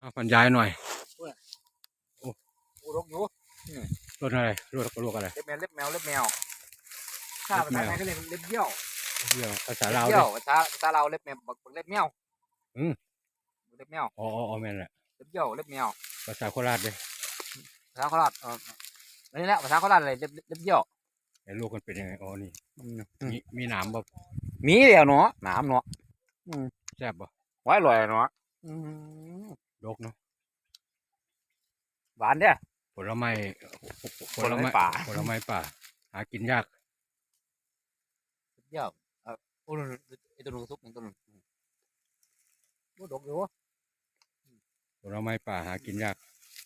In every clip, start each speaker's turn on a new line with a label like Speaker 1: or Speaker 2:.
Speaker 1: บรรยายหน่อยโอ้
Speaker 2: กูรกอยู่
Speaker 1: ต้นอะไรลูกอะไร
Speaker 2: เล็บแมวถ้าภาษาไทยก็เรียกเล็บเยี่ยว
Speaker 1: เรื่องภาษาลาว
Speaker 2: เยี่
Speaker 1: ดิ
Speaker 2: ยวภาษาลาวเล็บแมวบักเล็บแมวเล็บแมว
Speaker 1: อ๋อแม่นแหละ
Speaker 2: เล็บเยี่ยวเล็บแมว
Speaker 1: ภาษาโคราชดิ
Speaker 2: ภาษาโคราชนี่แหละภาษาโคราชอะไรเล็บเยี่ยว
Speaker 1: ไอ้ลูกมันเป็นยังไงอ๋อนี่มีหนามบ่
Speaker 2: มีเดียวเนาะหนามเนาะ
Speaker 1: แซ่บบ่
Speaker 2: ไว้ลอยเนาะ
Speaker 1: ดกเนาะ
Speaker 2: หวานเด้อ
Speaker 1: ผลไม้
Speaker 2: ผลไม้ป่า
Speaker 1: ผลไม้ป่าหากินยาก
Speaker 2: เยี่ยวโอ้ไอตัวนึงซุปตัวนึงโอ้ดกอยู่
Speaker 1: ผลไม้ป่าหากินยาก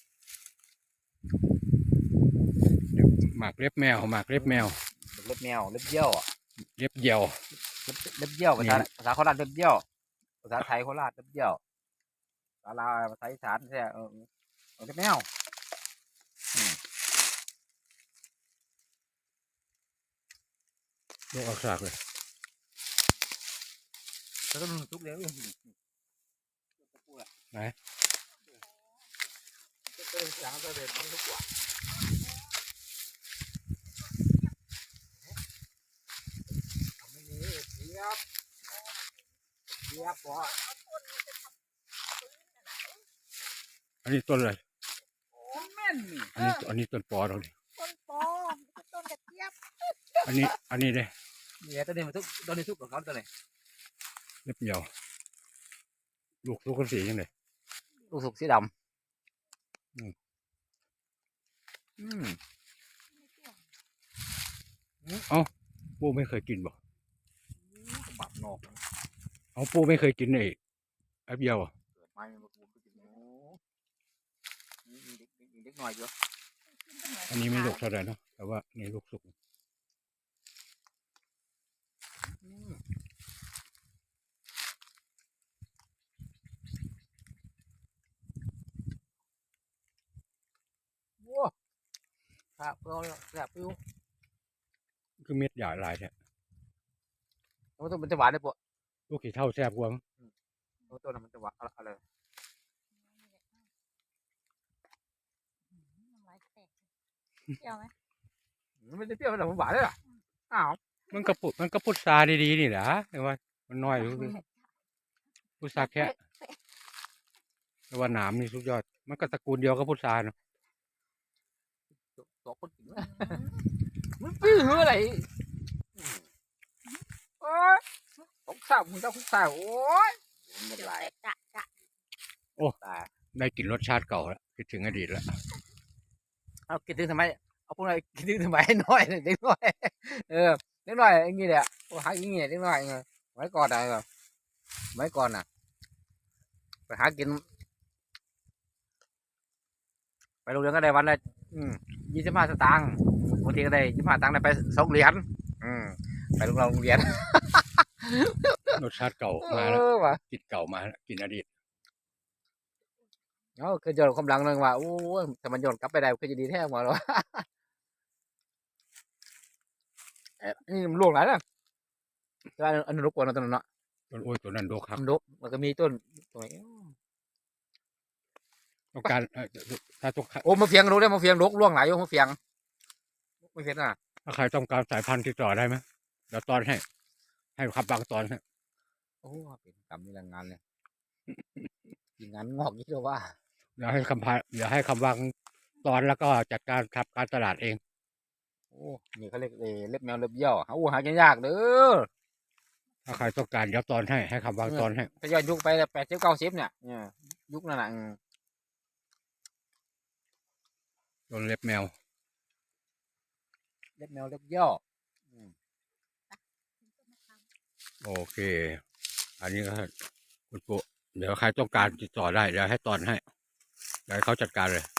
Speaker 1: หมากเล็บแมว
Speaker 2: เล็บแมวเล็บเยี่ยว
Speaker 1: เล็บเหี่ยว
Speaker 2: เล็บเยี่ยวภาษาโคราชเล็บเยี่ยวภาษาไทยโคราชเล็บเยี่ยวภาษาลาวภาษาอีสานใช่เล็บแมว
Speaker 1: ลูกเอาสากเลย
Speaker 2: แล้วก็ทุกเลี้ยง
Speaker 1: ไหนอันนี้ต้นอะไรอันนี้ต้นปอเราดิ
Speaker 3: ต้นปอต้นกระเจี๊ยบ
Speaker 1: อันนี้เลย
Speaker 2: เนี่ยตัวนี้มันตัวนี้ทุกของเขาตัวนี้
Speaker 1: เล็บเหี่ยวลูกกันสียังไง
Speaker 2: ลูกสุกสีดำ
Speaker 1: ปูไม่เคยกินบ่
Speaker 2: บักนอก
Speaker 1: ปูไม่เคยกินไอ้เบี้ยว
Speaker 2: ไม่มาปูกินเด็กหน่อยเยอะ
Speaker 1: อันนี้ไม่ลูกเท่าไหร่เนาะแต่ว่านี่ลูกสุก
Speaker 2: ว้าครับเราแบบฟิว
Speaker 1: คือเม็ดใหญ่หลายแท้
Speaker 2: มันจะหวานได้ปะ
Speaker 1: ลูกขี้เท่าแซ่บกว่า
Speaker 2: ตัวนั้นมันจะหวานอะไร
Speaker 3: เปรี้ยวไหม
Speaker 2: มันจะเปรี้ยวแต่มันหวานเลยอ่ะอ้าว
Speaker 1: มันก็พุทราดีๆนี่แหละแต่ว่ามันน้อยพุทราแค่แต่ว่าหนามนี่สุดยอดมันก็ตระกูลเดียวกับพุทราเนาะ
Speaker 2: ตัวคนกินมันปี้หืออะไรโอ้ยของสาวมึงเจ้าของสาวโอ้ยไม่ได้
Speaker 1: โอ้ได้กลิ่นรสชาติเก่าแล้วคิดถึงอดีตแล้ว
Speaker 2: เอาคิดถึงทำไมเอาพวกเราคิดถึงทำไมน้อยเด็กน้อยเด็กน้อยอย่างงี้แหละหาอย่างงี้เด็กน้อยไว้ก่อนอะไรแบบไว้ก่อนน่ะไปหากินไปโรงเรียนก็ได้วันละ25 สตางค์บางทีก็ได้25 สตางค์ได้ไป2 เหรียญไปโรงเรียน
Speaker 1: รสชาติเก่ามาแล้วกินเก่ามากินอดีต
Speaker 2: คือย้อนความหลังนึงว่าโอ้ถ้ามันย้อนกลับไปได้ก็จะดีแท้หมดแล้วนี่มันล่วงหลายแล้วแต่อันนั้นรบกวนตัวนั้นเนาะ
Speaker 1: ตัวนั้นโดกครับ
Speaker 2: แล้วก็มีต้นตรงนี้
Speaker 1: ต้องการถ้าต้อง
Speaker 2: โอ้มาเฟียงรู้ได้มาเฟียงล่วงหลายอยู่มาเฟียงไม่เฟียงอ่ะ
Speaker 1: ถ้าใครต้องการสายพันธุ์ติดต่อได้ไหมเดี๋ยวตอนให้ขับบางตอนให้
Speaker 2: โอ้เป็นกรรมนี่แรงงานเลยงานงอกยิ่งเลยว่า
Speaker 1: เดี๋ยวให้คำวางตอนแล้วก็จัดการทำการตลาดเอง
Speaker 2: โอ้นี่เขาเรียกเล็บแมวเล็บเยี่ยวหากินยากเด้อ
Speaker 1: ถ้าใครต้องการเดี๋ยวตอนให้คำวางตอนให้
Speaker 2: ถ้าย้อนยุคไป80 90เนี่ยยุคนั้นน่ะ
Speaker 1: ต้นเล็บแมว
Speaker 2: เล็บเยี่ยว
Speaker 1: โอเคอันนี้ก็คุณปู่เดี๋ยวใครต้องการติดต่อได้เดี๋ยวให้ตอนให้เดี๋ยวเขาจัดการเลย